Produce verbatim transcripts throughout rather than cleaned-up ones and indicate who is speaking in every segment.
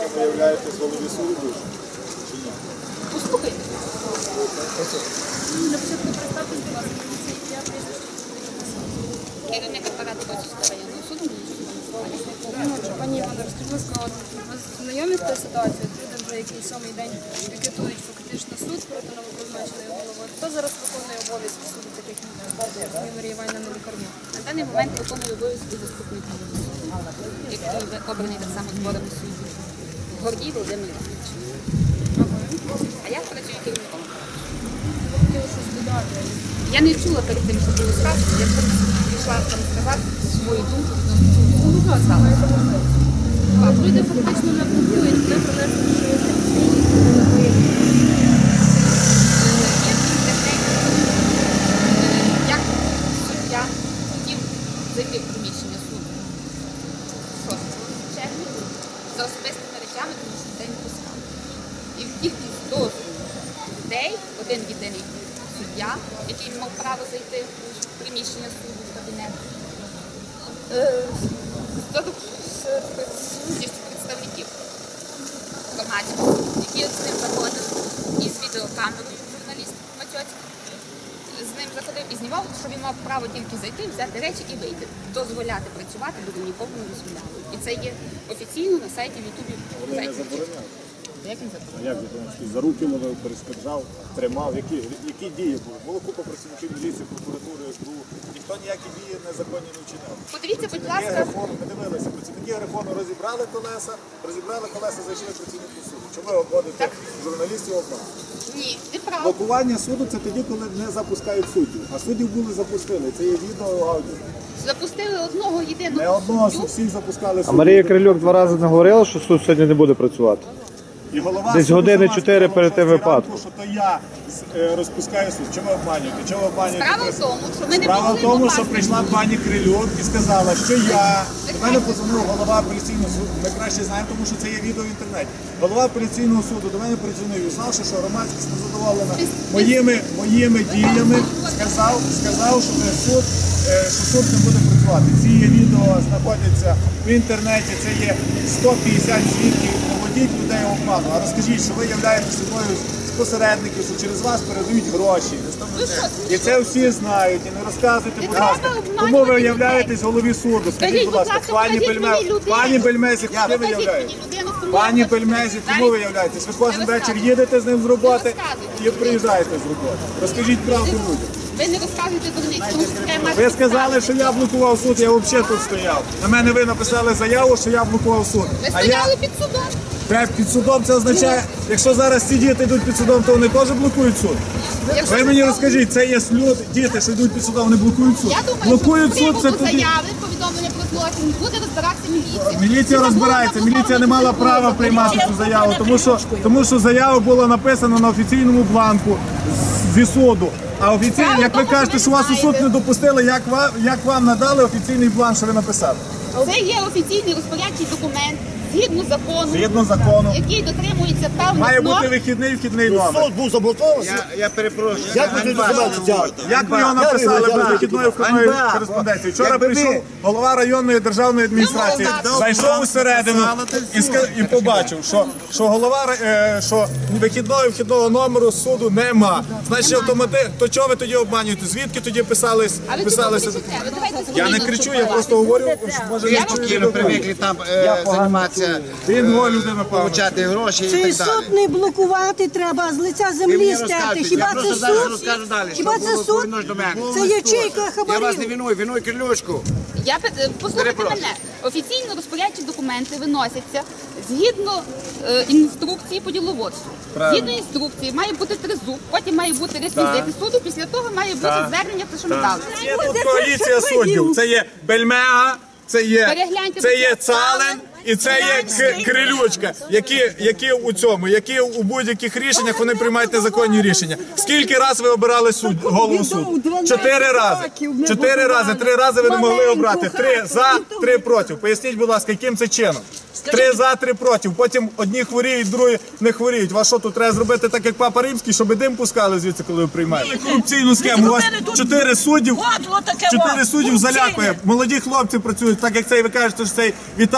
Speaker 1: ви являєтесь голові суду? Чи ні?
Speaker 2: Послухайте. На початку представтесь, будь ласка, я прізвище. Керівник апарату Бачівського районного суду. Пані Івано, розкажіть, будь ласка, ви знайомі з тою ситуацією? Люди вже який сьомий день пікетують фактично суд проти новопризначеної голови. Хто зараз виконує обов'язки суду, таких як Марія Іванівна Лікарнюк?
Speaker 3: На даний момент виконує обов'язки заступник голови суду, який обраний так само зборами суддів. Гордій Володимир Іванович. А я працюю керівником. Я не чула перед тим, що було сказано, я прийшла там сказати свою думку відносно цього.
Speaker 2: Люди фактично не пробують, не принесли, що є
Speaker 3: як суддя хотів зайти в приміщення суду шостого червня за особистими речами, тому що день пускав. І в кількість дозволу людей, один єдиний суддя, який мав право зайти в приміщення суду, в кабінет, з представників громадськості, які з ним заходили, і з відеокамерою журналіст Матьоцький, з ним заходив і знімав, що він мав право тільки зайти, взяти речі і вийти. Дозволяти працювати буде нікому не дозволяли. І це є офіційно на сайті в Ютубі.
Speaker 1: Вони не забороняють.
Speaker 3: Як він забороняє?
Speaker 1: А як ви за руки ловив, перешкоджав, тримав? Які, які дії були? Було купа працівників міліції, прокуратури, СБУ. Ніхто ніякі дії незаконні не вчиняв.
Speaker 3: Подивіться, будь
Speaker 1: Працівники
Speaker 3: ласка.
Speaker 1: Грифону, ми дивилися, працівники Грифону розібрали колеса, розібрали колеса, зайшли працівники суду. Чому ви обводите журналістів обман?
Speaker 3: Ні, неправда.
Speaker 1: Блокування суду – це тоді, коли не запускають суддів. А суддів були запустили. Це є відео, аудіо.
Speaker 3: Запустили одного єдиного
Speaker 1: Не одного,
Speaker 3: суддю.
Speaker 1: всіх запускали
Speaker 4: А
Speaker 1: суддів.
Speaker 4: Марія Крильок два рази не говорила, що суд сьогодні не буде працювати?
Speaker 1: І голова
Speaker 4: Десь
Speaker 1: суду
Speaker 4: години
Speaker 1: сама
Speaker 4: чотири
Speaker 1: сказала,
Speaker 4: перед тим
Speaker 1: що зранку,
Speaker 4: випадком.
Speaker 1: що то я е, розпускаю суд. Чому ви обманюєте? Чому ви обманюєте?
Speaker 3: Справа в тому, що ми не
Speaker 1: Справа
Speaker 3: могли
Speaker 1: в тому, що
Speaker 3: попасти.
Speaker 1: прийшла пані Крильок і сказала, що я, до мене подзвонив голова апеляційного суду, ми краще знаємо, тому що це є відео в інтернеті. Голова апеляційного суду до мене подзвонив і знав, що громадськість незадоволена моїми, моїми діями, сказав, сказав, що суд, е, що суд не буде працювати. Ці відео знаходяться в інтернеті, це є сто п'ятдесят свідків, поводіть людей обману. А розкажіть, що ви являєтесь одною з посередників, що через вас передають гроші. І це всі знають, і не розказуйте, будь ласка, кому ви являєтесь голові суду. Скажіть, будь ласка, пані Бельмезі, пані Бельмезі, куди ви являєтесь? Пані Бельмезі, кому ви являєтесь? Ви кожен вечір їдете з ним з роботи і приїжджаєте з роботи. Розкажіть правду людям.
Speaker 3: Ви не розказуєте дурниць, тому що треба...
Speaker 1: Ви сказали, що я блокував суд, я взагалі тут стояв. На мене ви написали заяву, що я блокував суд.
Speaker 3: Ви
Speaker 1: А
Speaker 3: стояли
Speaker 1: я...
Speaker 3: під судом.
Speaker 1: Те, під судом це означає, якщо зараз ці діти йдуть під судом, то вони теж блокують суд.
Speaker 3: Якщо
Speaker 1: Ви мені розкажіть, це є люди, діти, що йдуть під судом, вони блокують суд.
Speaker 3: Я думаю,
Speaker 1: Блокують
Speaker 3: що
Speaker 1: суд, це
Speaker 3: з
Speaker 1: тоді...
Speaker 3: заяви, повідомлення про злочин, буде розбиратися міліція.
Speaker 1: Міліція розбирається, міліція не мала права приймати цю заяву, тому що, тому що заява була написана на офіційному бланку зі суду. А офіційно, як ви кажете, що вас у суд не допустили, як вам, як вам надали офіційний бланк, що ви написали?
Speaker 3: Це є офіційний розпорядчий документ, згідно закону,
Speaker 1: Згідно закону.
Speaker 3: який дотримується певних
Speaker 1: Має бути
Speaker 3: норм.
Speaker 1: вихідний вхідний номер.
Speaker 5: Суд був заблокований.
Speaker 6: Я, я перепрошую.
Speaker 5: Як ви цей документ взяли?
Speaker 1: Як ви його написали без вихідної вхідної кореспонденції? Вчора прийшов голова районної державної адміністрації, зайшов усередину і, ска- і побачив, що, що голова е, що вихідного і вхідного номеру суду нема. Значить, автомати... то чого ви тоді обманюєте? Звідки тоді писались,
Speaker 3: А ви
Speaker 1: писалися?
Speaker 3: чого кричите? Ви давайте
Speaker 1: Я не
Speaker 3: спокійно
Speaker 1: кричу, я
Speaker 3: спілкуватися.
Speaker 1: просто говорю, що може
Speaker 6: Ви
Speaker 1: не
Speaker 6: спокійно привикли там е, займатися,
Speaker 1: Він його людина певно.
Speaker 6: получати гроші і
Speaker 7: Цей
Speaker 6: так далі.
Speaker 7: суд не блокувати треба, з лиця
Speaker 6: Ви
Speaker 7: землі
Speaker 6: мені
Speaker 7: стерти.
Speaker 6: розкажете,
Speaker 7: Хіба
Speaker 6: я
Speaker 7: це
Speaker 6: просто зараз
Speaker 7: суд?
Speaker 6: розкажу далі.
Speaker 7: Хіба
Speaker 6: що
Speaker 7: це
Speaker 6: було
Speaker 7: суд?
Speaker 6: повинно до мене.
Speaker 7: Це ячейка
Speaker 6: Я вас не
Speaker 7: хабарів.
Speaker 6: виную, виную Крильочку.
Speaker 3: Я пи- е, послухайте
Speaker 6: Перепрошую.
Speaker 3: мене. Офіційно розпорядчі документи виносяться згідно е, інструкції по діловодству. Згідно інструкції має бути тризуб, потім має бути реквізити суду, після того має бути звернення, це що ми дали.
Speaker 1: Є тут коаліція суддів. Це є Бельмега, це є,
Speaker 3: Перегляньте,
Speaker 1: це є
Speaker 3: будь ласка.
Speaker 1: Цален і це є К- Крилючка, які, які у цьому, які у будь-яких рішеннях вони приймають незаконні рішення. Скільки раз ви обирали суд, голову суду? Чотири рази. Чотири рази. Три рази ви не могли обрати. Три за, три проти. Поясніть, будь ласка, яким це чином? Три за, три проти. Потім одні хворіють, другі не хворіють. Вас що, тут треба зробити так, як Папа Римський, щоб дим пускали звідси, коли ви приймаєте? Корупційну схему. У вас чотири суддів, чотири суддів залякує. Молоді хлопці працюють, так як цей, ви кажете, що цей Віталік прийшов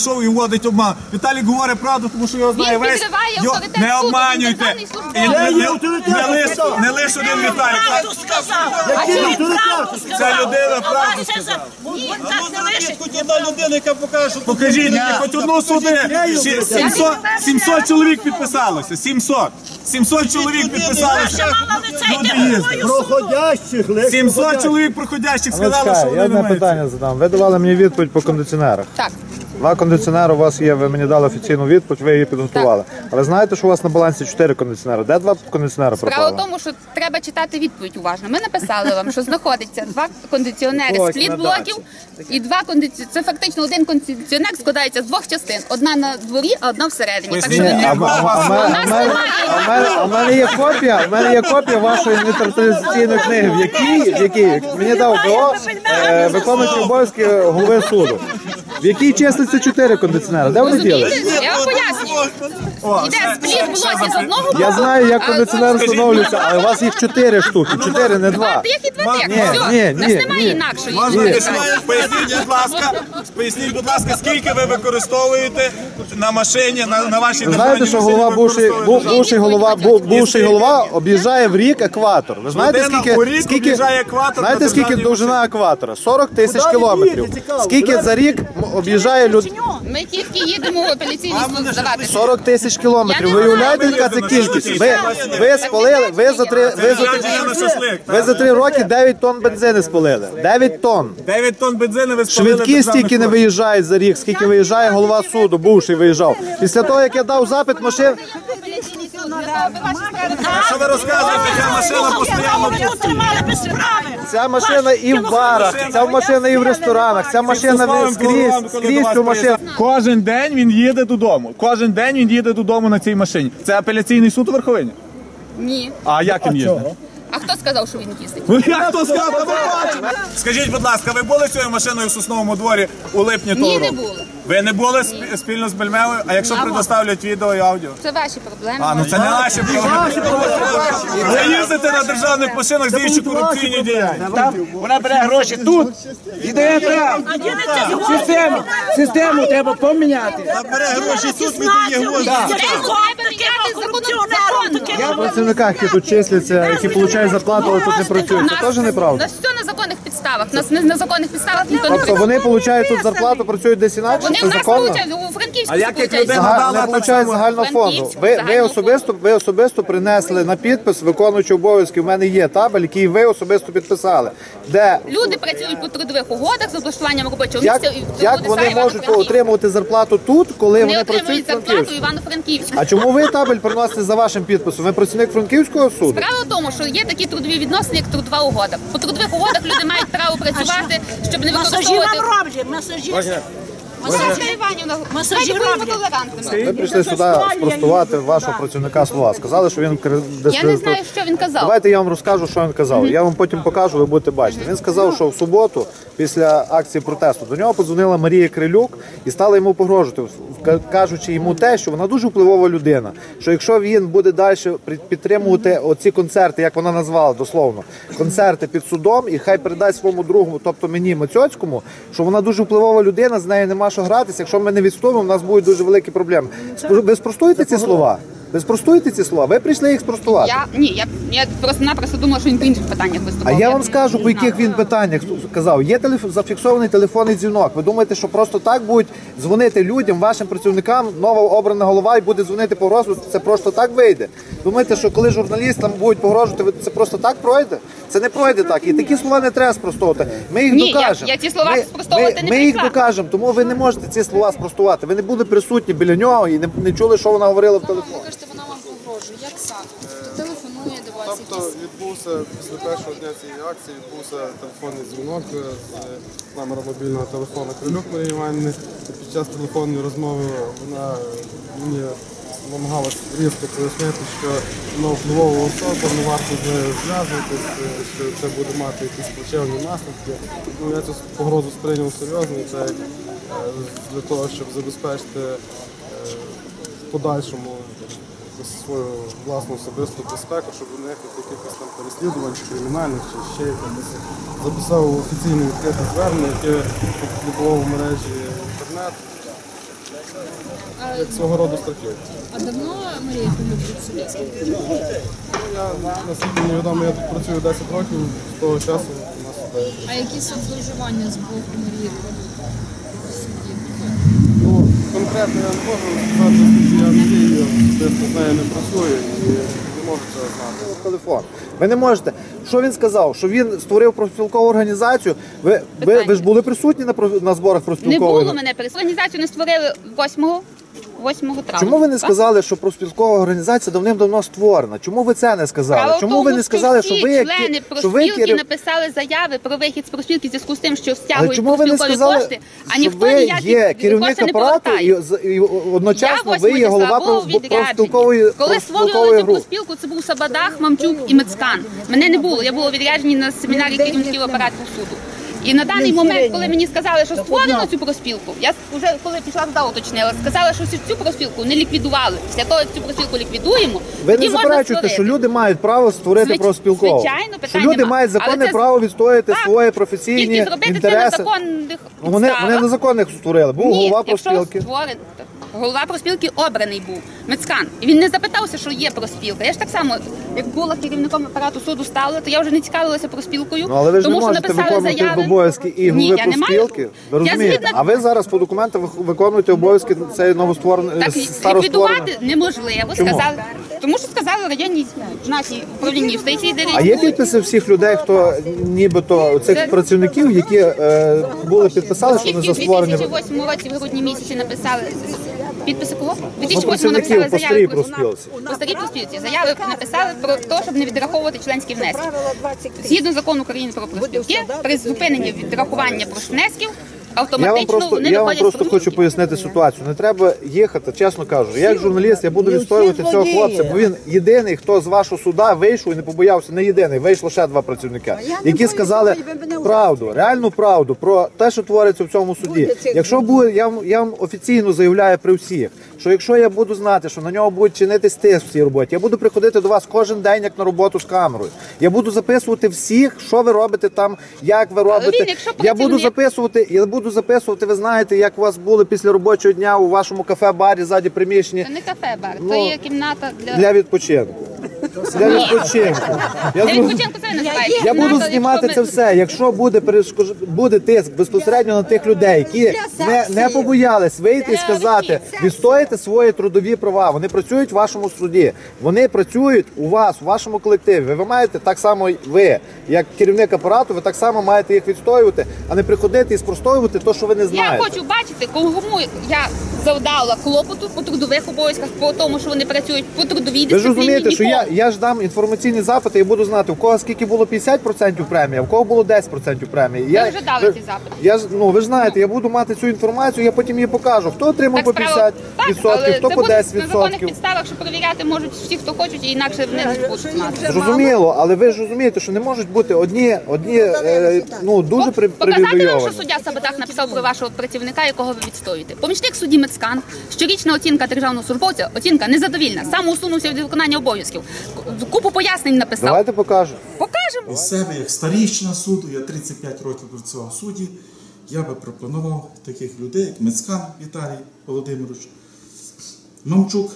Speaker 1: прийшов і вводить обман. Віталік говорить правду, тому що його знає
Speaker 3: Він
Speaker 1: весь.
Speaker 3: підриває
Speaker 1: Його-
Speaker 3: авторитет
Speaker 1: Не
Speaker 3: суду,
Speaker 1: обманюйте.
Speaker 3: він державний
Speaker 1: І
Speaker 3: службовець.
Speaker 1: не, не, не, лиш, не лиш один Віталік.
Speaker 8: Правду сказав. А
Speaker 5: Який
Speaker 8: він
Speaker 5: авторитет?
Speaker 8: правду
Speaker 1: Ця
Speaker 8: сказав.
Speaker 1: людина
Speaker 8: А
Speaker 1: правду
Speaker 8: вас це за-
Speaker 1: сказала.
Speaker 8: Ні, так не лишить.
Speaker 5: Хоч одна людина, яка покаже, що
Speaker 1: Покажіть мені хоч одну суди. Ще сімсот, сімсот чоловік підписалося. сімсот. сімсот чоловік підписалося.
Speaker 8: Ще мала лице
Speaker 1: Люди
Speaker 8: йде
Speaker 1: їздять.
Speaker 8: головою.
Speaker 5: проходящих лише.
Speaker 1: сімсот чоловік проходящих
Speaker 4: Ну,
Speaker 1: сказали, що
Speaker 4: чекай, я
Speaker 1: вони не
Speaker 4: одне
Speaker 1: мають.
Speaker 4: питання задам. Ви давали мені відповідь по кондиціонерах.
Speaker 3: Так.
Speaker 4: Два кондиціонери у вас є, ви мені дали офіційну відповідь, ви її підготували. А ви знаєте, що у вас на балансі чотири кондиціонери? Де два кондиціонери
Speaker 3: Справа
Speaker 4: пропали?
Speaker 3: в тому, що треба читати відповідь уважно. Ми написали вам, що знаходиться два кондиціонери
Speaker 4: Ось,
Speaker 3: з пліт
Speaker 4: на
Speaker 3: блоків і два кондиціонери. Це фактично один кондиціонер складається з двох частин. Одна на дворі, а одна всередині. Так що
Speaker 4: Ні,
Speaker 3: ви
Speaker 4: а,
Speaker 3: не
Speaker 4: а, а, а,
Speaker 3: У
Speaker 4: мене-
Speaker 3: нас
Speaker 4: а, мене-
Speaker 3: немає.
Speaker 4: а, мене- а в мене є копія, в мене є копія вашої інвентаризаційної книги, в якій, в якій мені дав БО е, виконуючий обов'язки голови суду. В якій числиться чотири кондиціонери. Де вони діли?
Speaker 3: Розумієте? Я вам пояснюю. Йде спліт блоків з одного боку.
Speaker 4: Я знаю, як
Speaker 3: а
Speaker 4: кондиціонер
Speaker 3: з-
Speaker 4: встановлюється, але у вас їх чотири штуки, чотири, не
Speaker 3: Два
Speaker 4: два.
Speaker 3: тих і два тих.
Speaker 4: Ні,
Speaker 3: Все.
Speaker 4: ні,
Speaker 3: У нас
Speaker 4: ні,
Speaker 3: немає
Speaker 4: ні.
Speaker 3: інакшої.
Speaker 1: Можна
Speaker 3: Ні.
Speaker 1: поясніть, будь ласка, поясніть, будь ласка, скільки ви використовуєте на машині, на, на вашій
Speaker 4: Ви
Speaker 1: державній
Speaker 4: знаєте, що
Speaker 1: машині
Speaker 4: голова
Speaker 1: ви
Speaker 4: бувший,
Speaker 1: використовуєте?
Speaker 4: бу- бувший голова, бу- бувший голова об'їжджає в рік екватор. Ви знаєте,
Speaker 1: Людина у
Speaker 4: скільки,
Speaker 1: рік
Speaker 4: скільки,
Speaker 1: об'їжджає екватор на
Speaker 4: знаєте, скільки
Speaker 1: державній
Speaker 4: довжина екватора? сорок тисяч
Speaker 5: Куди ви
Speaker 4: кілометрів.
Speaker 5: їдете, цікаво?
Speaker 4: Скільки
Speaker 5: Куди
Speaker 4: за рік м- об'їжджає люд...
Speaker 3: Ми тільки їдемо в апеляційний суд здавати.
Speaker 4: сорок тисяч кілометрів.
Speaker 3: Я
Speaker 4: Ви
Speaker 3: не
Speaker 4: уявляєте,
Speaker 3: знаю,
Speaker 4: яка це кількість? Ви, ви спалили, ви за три, ви за три,
Speaker 1: Це на шашлик,
Speaker 4: ви за три роки дев'ять тонн бензину спалили. дев'ять тонн.
Speaker 1: дев'ять тонн бензину ви спалили.
Speaker 4: Швидкі
Speaker 1: державних
Speaker 4: стільки не
Speaker 1: коштів.
Speaker 4: виїжджають за рік, скільки виїжджає голова суду, бувший виїжджав. Після того, як я дав запит машин,
Speaker 1: Що ви розказуєте, ця машина постійно
Speaker 8: Ви тут тримали без справи.
Speaker 4: ця машина і в барах, ця машина і в ресторанах, ця машина ви- скрізь, скрізь цю машину.
Speaker 1: Кожен день він їде додому. Кожен день він їде додому на цій машині. Це апеляційний суд у Верховині?
Speaker 3: Ні.
Speaker 1: А як він їздить?
Speaker 3: А хто сказав, що він їздить?
Speaker 1: Ну як хто сказав, та ви бачите? Скажіть, будь ласка, ви були цією машиною в Сосновому дворі у липні того
Speaker 3: Ні, не
Speaker 1: року?
Speaker 3: були.
Speaker 1: Ви не були сп- спільно з Бельмевою? А якщо предоставлять відео і аудіо?
Speaker 3: Це ваші проблеми.
Speaker 1: А, ну це не наші проблеми. Ви їздите на державних машинах, здійснюючи корупційні діяння.
Speaker 9: Вона бере гроші тут і дає там.
Speaker 8: А ділиться з
Speaker 9: Систему, систему треба поміняти.
Speaker 5: Бере гроші тут, віддає гроші.
Speaker 8: таким корупціонером, таким
Speaker 4: В працівниках, які тут числяться, які отримують зарплату, але тут не працюють. Це теж
Speaker 3: У
Speaker 4: неправда.
Speaker 3: нас все на законних підставах. Нас не на законних підставах ніхто не
Speaker 4: Тобто вони отримують тут зарплату, працюють десь інакше,
Speaker 3: Вони в
Speaker 4: це
Speaker 3: нас
Speaker 4: законно?
Speaker 3: получають, у Франківську
Speaker 1: А як їх
Speaker 3: получають.
Speaker 1: людина
Speaker 4: Зага-
Speaker 1: дала
Speaker 4: Не
Speaker 1: так
Speaker 4: получають
Speaker 1: само?
Speaker 4: загального фонду.
Speaker 3: Франківську,
Speaker 4: Ви, ви,
Speaker 3: загального
Speaker 4: особисто, ви особисто принесли на підпис виконуючий обов'язки. У мене є табель, який ви особисто підписали. Де
Speaker 3: Люди працюють по трудових угодах з облаштуванням робочого
Speaker 4: як,
Speaker 3: місця. і в
Speaker 4: як
Speaker 3: трудових
Speaker 4: вони
Speaker 3: сфері
Speaker 4: можуть
Speaker 3: Івано-Франківську.
Speaker 4: отримувати зарплату тут, коли
Speaker 3: Вони
Speaker 4: вони
Speaker 3: отримують
Speaker 4: працюють в
Speaker 3: зарплату
Speaker 4: Франківську?
Speaker 3: Івано-Франківську.
Speaker 4: А чому ви табель приносите за вашим підписом? Ви працівник Франківського суду?
Speaker 3: Справа в тому, що є такі трудові відносини, як трудова угода. По трудових угодах люди мають право працювати, щоб не
Speaker 8: масажі
Speaker 3: використовувати.
Speaker 8: вам роблять, масажі.
Speaker 3: Масажі Іванівна,
Speaker 8: Масажі
Speaker 3: давайте будемо
Speaker 8: роблять.
Speaker 3: толерантними.
Speaker 4: Ви прийшли сюди спростувати вашого працівника слова. Сказали, що він кр-
Speaker 3: Я не знаю, що він казав.
Speaker 4: Давайте я вам розкажу, що він казав. Я вам потім покажу, ви будете бачити. Він сказав, що в суботу, після акції протесту, до нього подзвонила Марія Крилюк і стала йому погрожувати, вка- кажучи йому те, що вона дуже впливова людина. Що якщо він буде далі підтримувати оці концерти, як вона назвала дословно, концерти під судом, і хай передасть своєму другу, тобто мені Мацьоцькому, що вона дуже впливова людина, з нею нема що гратися. Якщо ми не відстоїмо, у нас будуть дуже великі проблеми. Спро- Ви спростуєте ці слова? Ви спростуєте ці слова? Ви прийшли їх спростувати.
Speaker 3: Я ні, я, я просто-напросто думала, що він по інших питаннях
Speaker 4: А
Speaker 3: виступав.
Speaker 4: я вам скажу, по яких він питаннях казав. Є телеф... зафіксований телефонний дзвінок. Ви думаєте, що просто так будуть дзвонити людям, вашим працівникам, нова обрана голова і буде дзвонити по розгляду, це просто так вийде? Думаєте, що коли журналістам будуть погрожувати, ви- це просто так пройде? Це не пройде так. І такі слова не треба спростовувати. Ми їх
Speaker 3: Ні, я-
Speaker 4: докажемо.
Speaker 3: я ці слова
Speaker 4: Ми-
Speaker 3: спростовувати
Speaker 4: ми,
Speaker 3: не
Speaker 4: Ми їх
Speaker 3: прийшла.
Speaker 4: докажемо, тому ви не можете ці слова спростувати. Ви не були присутні біля нього і не, не чули, що вона говорила в телефоні.
Speaker 2: Ви кажете, вона вам погрожує. Як саме? Тобто телефонує до вас
Speaker 10: Тобто
Speaker 2: якісь...
Speaker 10: відбувся після першого дня цієї акції відбувся телефонний дзвінок е, з номера мобільного телефону Крилюк Марії Іванівни. Під час телефонної розмови вона мені намагалась різко пояснити, що вона впливова особа, не варто з нею зв'язуватись, е, що це буде мати якісь плачевні наслідки. Ну, я цю погрозу сприйняв серйозно, і це е, для того, щоб забезпечити е, в подальшому свою власну особисту безпеку, щоб уникнути якихось там переслідувань, чи кримінальних, чи ще якихось. Записав офіційне відкрите звернення, яке опублікував у мережі інтернет. як свого роду страхів.
Speaker 2: А давно Марія Крилюк в суді?
Speaker 10: Я, наскільки мені відомо, я тут працюю десять років, з того часу у нас іде.
Speaker 2: А які соцзловживання з боку Марії Крилюк в суді?
Speaker 10: Ну, конкретно я не можу сказати, оскільки я не дію, особисто з нею не працюю і не можу цього знати.
Speaker 4: Телефон. Ви не можете. Що він сказав? Що він створив профспілкову організацію. Ви, ви, ви ж були присутні на, про- на зборах
Speaker 3: Не
Speaker 4: профспілкової?
Speaker 3: було мене перед. Організацію не створили восьмого травня.
Speaker 4: Чому ви не
Speaker 3: Так?
Speaker 4: сказали, що профспілкова організація давним-давно створена? Чому ви це не сказали?
Speaker 3: Справа в
Speaker 4: Чому
Speaker 3: тому,
Speaker 4: ви не сказали,
Speaker 3: всі
Speaker 4: що ви як
Speaker 3: члени
Speaker 4: що ви
Speaker 3: профспілки
Speaker 4: керів-
Speaker 3: написали заяви про вихід з профспілки в зв'язку з тим, що
Speaker 4: Але
Speaker 3: стягують
Speaker 4: чому ви не
Speaker 3: профспілкові
Speaker 4: сказали,
Speaker 3: кошти, а
Speaker 4: що
Speaker 3: ніхто
Speaker 4: ви
Speaker 3: ніякі
Speaker 4: є керівник
Speaker 3: кошти не
Speaker 4: апарату і,
Speaker 3: повертає.
Speaker 4: з- і одночасно
Speaker 3: Я
Speaker 4: ви є голова
Speaker 3: восьмого числа був
Speaker 4: профспілкової
Speaker 3: відряджений. Коли створювали
Speaker 4: профспілкової
Speaker 3: цю
Speaker 4: групи?
Speaker 3: профспілку, це був Сабадах, Мамчук і Мецкан. Мене не було, я була відряджені на семінарі керівників апарату суду. І на даний момент, коли мені сказали, що створено цю профспілку, я вже коли пішла туди уточнила, сказали, що цю профспілку не ліквідували. Після того, як цю профспілку ліквідуємо,
Speaker 4: Ви
Speaker 3: тоді
Speaker 4: не
Speaker 3: можна
Speaker 4: заперечуєте,
Speaker 3: створити.
Speaker 4: що люди мають право створити
Speaker 3: Звич-
Speaker 4: профспілкову?
Speaker 3: звичайно,
Speaker 4: Що
Speaker 3: питань
Speaker 4: люди
Speaker 3: нема.
Speaker 4: мають законне
Speaker 3: Але це-
Speaker 4: право відстояти
Speaker 3: Так.
Speaker 4: свої професійні
Speaker 3: Тільки зробити це на
Speaker 4: інтереси.
Speaker 3: законних
Speaker 4: Ну, Вони,
Speaker 3: підставах.
Speaker 4: вони незаконних створили. Був
Speaker 3: Ні,
Speaker 4: голова
Speaker 3: якщо
Speaker 4: профспілки.
Speaker 3: створен- голова профспілки обраний був Мецкан. І він не запитався, що є профспілка. Я ж так само, як була керівником апарату суду стала, то я вже не цікавилася профспілкою,
Speaker 4: Ну, але ви ж
Speaker 3: тому
Speaker 4: не
Speaker 3: що
Speaker 4: можете
Speaker 3: написали
Speaker 4: виконувати
Speaker 3: заяви.
Speaker 4: обов'язки і
Speaker 3: Ні,
Speaker 4: голови
Speaker 3: я не маю.
Speaker 4: профспілки. Ви
Speaker 3: Я
Speaker 4: розумієте?
Speaker 3: згідна-
Speaker 4: А ви зараз по документам вих- виконуєте обов'язки цієї новоствореної,
Speaker 3: Так,
Speaker 4: староствореної.
Speaker 3: ліквідувати неможливо,
Speaker 4: Чому?
Speaker 3: сказали. Тому що сказали районні наші управління юстиції, де
Speaker 4: А є
Speaker 3: реєструють.
Speaker 4: підписи всіх людей, хто нібито цих
Speaker 3: Це-
Speaker 4: працівників, які е, були підписали, що вони
Speaker 3: Тільки
Speaker 4: за
Speaker 3: в
Speaker 4: створення.
Speaker 3: дві тисячі восьмому році в грудні місяці написали підписи кого? В дві
Speaker 4: Ну,
Speaker 3: тисячі восьмому
Speaker 4: працівників
Speaker 3: написали
Speaker 4: по старій
Speaker 3: заяви про
Speaker 4: профспілці.
Speaker 3: по старій профспілці. Заяви написали про те, щоб не відраховувати членські внески. Згідно закону України про профспілки, при зупиненні відрахування профвнесків
Speaker 4: Я вам
Speaker 3: автоматично
Speaker 4: просто,
Speaker 3: вони
Speaker 4: я вам
Speaker 3: виходять з
Speaker 4: просто хочу
Speaker 3: профспілки.
Speaker 4: пояснити ситуацію. Не треба їхати, чесно кажу. Я як журналіст, я буду відстоювати цього хлопця, бо він єдиний, хто з вашого суда вийшов і не побоявся, не єдиний, вийшло ще два працівника, які сказали правду, реальну правду про те, що твориться в цьому суді. Якщо буде, я вам, я вам офіційно заявляю при всіх, що якщо я буду знати, що на нього будуть чинитись тиск в цій роботі, я буду приходити до вас кожен день, як на роботу з камерою. Я буду записувати всіх, що ви робите там, як ви робите.
Speaker 3: він, якщо
Speaker 4: Я буду
Speaker 3: працівник-
Speaker 4: записувати, я буду записувати, ви знаєте, як у вас були після робочого дня у вашому кафе-барі ззаді приміщення
Speaker 3: Це не кафе-бар,
Speaker 4: Ну,
Speaker 3: це є кімната для...
Speaker 4: для відпочинку. Для відпочинку. Я,
Speaker 3: Для
Speaker 4: зрозум-
Speaker 3: відпочинку це не називається.
Speaker 4: я буду
Speaker 3: Кімната,
Speaker 4: знімати
Speaker 3: якщо
Speaker 4: це
Speaker 3: ми-
Speaker 4: все. Якщо буде перешкож... буде тиск безпосередньо на тих людей, які не, не побоялись вийти і сказати, відстояти свої трудові права. Вони працюють в вашому суді. Вони працюють у вас, у вашому колективі. Ви маєте так само ви, як керівник апарату, ви так само маєте їх відстоювати, а не приходити і спростовувати те, що ви не
Speaker 3: Я
Speaker 4: знаєте.
Speaker 3: хочу бачити, кому я завдала клопоту по трудових обов'язках, по тому, що вони працюють по трудовій
Speaker 4: Ви ж
Speaker 3: дисципліні.
Speaker 4: розумієте, що я,
Speaker 3: нікому.
Speaker 4: я ж дам інформаційні запити і буду знати, у кого скільки було п'ятдесят відсотків премії, а у кого було десять відсотків премії.
Speaker 3: Ви
Speaker 4: Я,
Speaker 3: вже дали
Speaker 4: ви-
Speaker 3: ці запити.
Speaker 4: Я ж, ну, ви ж знаєте, я буду мати цю інформацію, я потім її покажу. Хто отримав по
Speaker 3: справа-
Speaker 4: п'ятдесят
Speaker 3: так,
Speaker 4: відсотків,
Speaker 3: але
Speaker 4: хто
Speaker 3: це
Speaker 4: по
Speaker 3: буде
Speaker 4: десять
Speaker 3: на законних
Speaker 4: відсотків.
Speaker 3: підставах, що перевіряти можуть всі, хто хочуть, і інакше вони не будуть мати.
Speaker 4: Зрозуміло, але ви ж розумієте, що не можуть бути одні, одні е, ну, дуже при-
Speaker 3: Показати вам, що
Speaker 4: привілейовані.
Speaker 3: суддя Сабатах написав про вашого працівника, якого ви відстоюєте. Помічник судді Мецкан, щорічна оцінка державного службовця, оцінка незадовільна, самоусунувся від виконання обов'язків. Купу пояснень написав.
Speaker 4: Давайте покажемо.
Speaker 3: Покажемо.
Speaker 1: Із себе, як старіщина суду, я тридцять п'ять років працював в суді, я би пропонував таких людей, як Мецкан Віталій Володимирович, Мамчук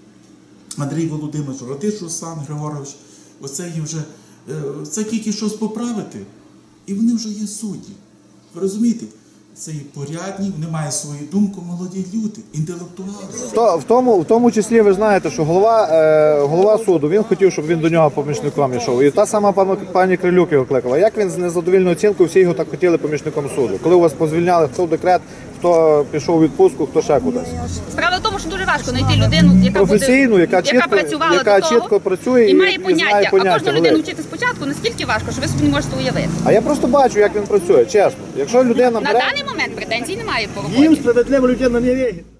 Speaker 1: Андрій Володимирович, Радиш Руслан Григорович. Оце є вже, е, це тільки щось поправити, і вони вже є судді. Ви розумієте? Це є порядні, вони мають свою думку, молоді люди, інтелектуали.
Speaker 4: То, в, тому, в тому числі ви знаєте, що голова, е, голова суду, він хотів, щоб він до нього помічником йшов. І та сама пані, пані Крилюк його кликала. Як він з незадовільною оцінкою, всі його так хотіли помічником суду? Коли у вас позвільняли, хто в декрет, хто пішов у відпустку, хто ще кудись.
Speaker 3: Справа в тому, що дуже важко знайти людину, яка
Speaker 4: Професійну,
Speaker 3: буде,
Speaker 4: яка чітко-
Speaker 3: працювала
Speaker 4: яка
Speaker 3: до того,
Speaker 4: чітко працює
Speaker 3: і
Speaker 4: і-
Speaker 3: має
Speaker 4: і
Speaker 3: поняття.
Speaker 4: знає поняття,
Speaker 3: А кожну людину
Speaker 4: велике.
Speaker 3: вчити спочатку, наскільки важко, що ви собі не можете уявити.
Speaker 4: А я просто бачу, як він працює, чесно. Якщо людина
Speaker 3: На
Speaker 4: бере...
Speaker 3: даний момент претензій немає по
Speaker 5: Їм
Speaker 3: роботі.
Speaker 5: справедливо людина не вірить.